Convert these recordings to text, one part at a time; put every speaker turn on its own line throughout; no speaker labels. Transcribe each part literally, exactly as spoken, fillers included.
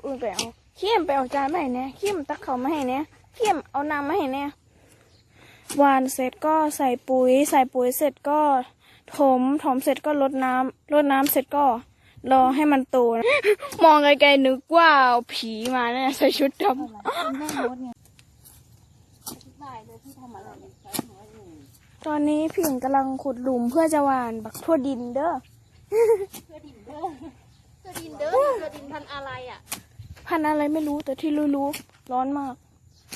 อื่นไปเอาเขี้ยมไปเอาจานมาให้เนี่ยเขี้ยมตักเขามาให้เนี่ยเขี้ยมเอาน้ำมาให้เนี่ยหวานเสร็จก็ใส่ปุ๋ยใส่ปุ๋ยเสร็จก็ถมถมเสร็จก็รดน้ำรดน้ำเสร็จก็รอให้มันโตนะ มองไกลๆนึกว่าผีมาเนี่ยใส่ชุดดำตอนนี้พี่หญิงกำลังขุดหลุมเพื่อจะหว่านบักทั่วดินเด้อทั่วดินเด้อทั่วดินเด้อทั่วดินพันอะไรอ่ะพันอะไรไม่รู้แต่ที่รู้ๆร้อนมาก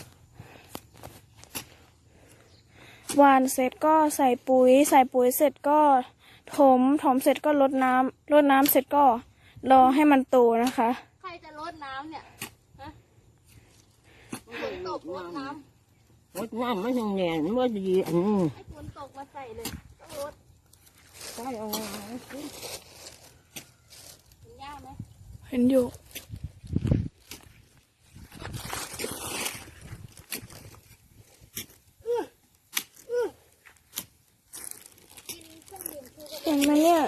หวานเสร็จก็ใส่ปุ๋ยใส่ปุ๋ยเสร็จก็ถมถมเสร็จก็รดน้ำรดน้ำเสร็จก็รอให้มันโตนะคะใครจะรดน้ำเนี่ยฮะฝนตกรดน้ำ
รดน้ำไม่ถึงแหน่ไม่ว่าดีอันนี้
ให้ฝนตกมาใส่เลยต้องรด
ใช่เอา
เห็นหญ้าไหมเห็นอยู่เห็นไหมเนี่ย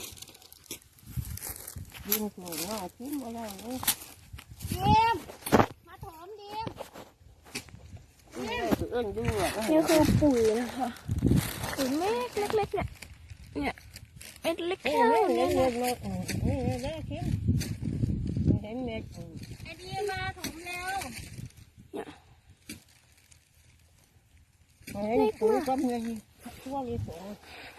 ดินสวยมากทิ้งไว้ได้เลย
เดียมมาถมเดียมนี่คือปุ๋ยนะคะปุ๋ยเม็ดเล็กๆเนี่ยเนี่ยเม็ดเล็กแค่นี้
เม็ดเม็ดนี่เล็กทิ้งเห็นเม็ด
ไอเดียมาถมแล้วเนี่ย
เห็นปุ๋ยก็มีทั่วเลยสวย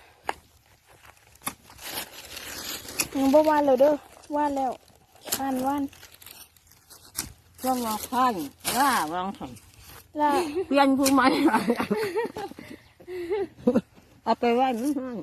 ยังบ่วานเลยเด้อวานแล้วว่านว่าน
ก็มาขั้นล่าวางถัง
ล่า
เปลี่ยนผู้ใหม่เอาไปไว้ไม่ให้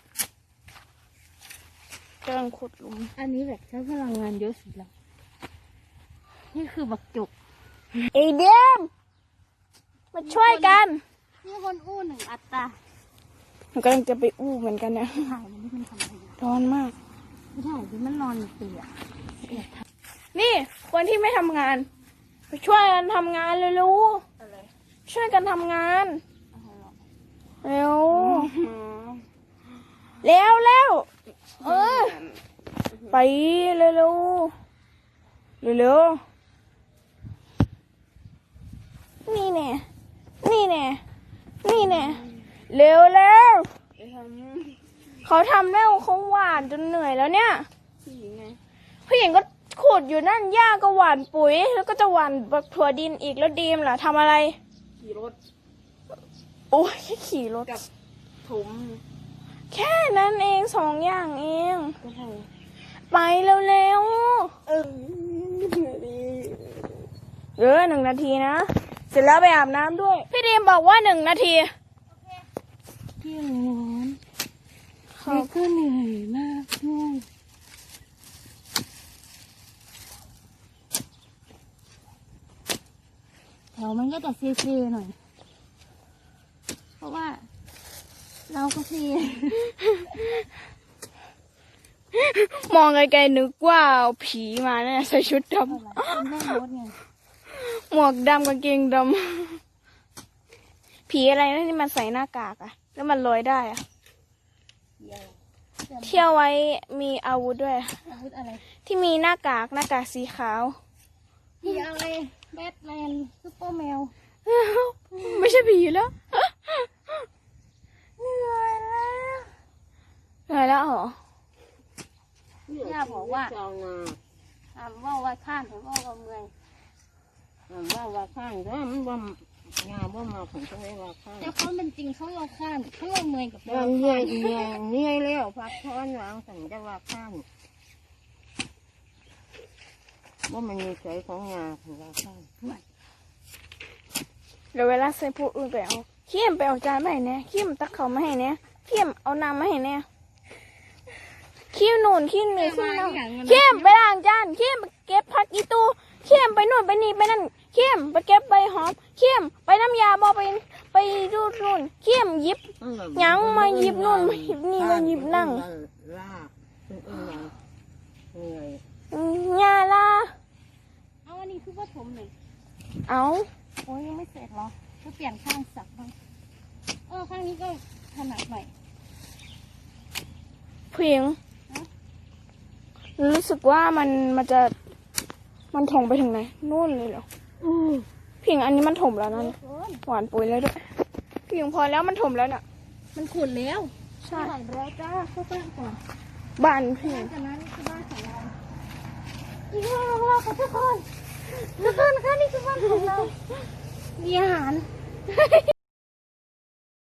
กำลังขุดหลุม
อันนี้แบบใช้พลังงานเยอะสุดแล้วนี่คือบักจุก
ไอเดียมมาช่วยกัน
นี่คนอู้หนึ่งอัตรา
ผมกำลังจะไปอู้เหมือนกันเนี่ย
ถ่ายมันนี่มันทำอะไร
ร้อนมาก
ไม่ถ่ายที่มันนอนอยู่เปียก
นี่คนที่ไม่ทำงานไปช่วยกันทำงานเร็วๆช่วยกันทำงานเร็วเร็วเร็วเออไปเร็วเร็วเร็วนี่แน่นี่แน่นี่แน่เร็วเร็วเขาทำแล้วเขาหวานจนเหนื่อยแล้วเนี่ยผู้หญิงไงผู้หญิงก็ขุดอยู่นั่นหญ้าก็หว่านปุ๋ยแล้วก็จะหว่านบักถั่วดินอีกแล้วดีมล่ะทำอะไร
ขี่รถ
โอ้ยแค่ขี่รถ
กับถม
แค่นั้นเองสองอย่างเองไปเร็วๆเออเออหนึ่งนาทีนะเสร็จแล้วไปอาบน้ำด้วยพี่ดีมบอกว่าหนึ่งนาที
พี่ร้อนเขาก็เหนื่อยมากด้วยแถวมันก็จะเซ่ๆหน่อยเพราะว่าเราก็เซ่
มองไกลๆนึกว่าผีมาเนี่ยใส่ชุดดำหมวกดำกางเกงดำผีอะไรนะที่มันใส่หน้ากากอะแล้วมันลอยได้อะเที่ยวไว้มีอาวุธด้วย
อาวุธอะไร
ที่มีหน้ากากหน้ากากสีขาว
ผีอะไรแบทแมนซุปเปอร์แมว
ไม่ใช่ผีแล้วเหนื่อยแล้วเหนื่อยแล้วเหร
อย่าบอกว่าถามว่าว่าข้านถามว่าว่าเมื่อย
ถามว่าว่าข้านก็มันว่างาว่ามาของเขาไม่ว่าข้าน
แต่เขาเป็นจริงเขาเราข้านเขาเราเมื่อยกับ
เราเหนื่อยเหนื่อยเหนื่อยแล้วพักผ่อนวางสัญจะว่าข้านว่ามันมีใจของงาของเราข้าน
เดี๋ยวเวลาใส่ผู้อื่นไปเอาเขี้ยมไปเอาจานมาให้เนี่ยเขี้ยมตักเขามาให้เนี่ยเขี้ยมเอาน้ำมาให้เนี่ยขี้หนุนขี้หนีขี้น้ำเข้มไปล้างจานเข้มไปเก็บผักอีตูเข้มไปนู่นไปนี่ไปนั่นเข้มไปเก็บใบหอมเข้มไปน้ำยาบอไปไปดูนู่นเข้มหยิบยังมาหยิบนู่นมาหยิบนี่มาหยิบนั่งยาลา
เอาอันนี้คือว่าผมหนึ่ง
เอา
โอ้ยยังไม่เสร็จหรอก็เปลี่ยนข้างสักบ้างเออข้างนี้ก็ถนัดหน่อย
เพียงรู้สึกว่ามันมันจะมันถมไปถึงไหนนู่นเลยเหรอ
อู้
พิงอันนี้มันถมแล้วนั่นหวานปุ๋ยแล้วด้วยพิงพอแล้วมันถมแล้วน่ะ
มันขุดแล้ว
ใช่
ไหลแล้วจ้าเข้าบ้านก่อน
บ้านพิง
จากนั้นนี่คือบ้านของเราอีกบ้านของเราค่ะทุกคนทุกคนค่ะนี่คือบ้านของเรามีอาหาร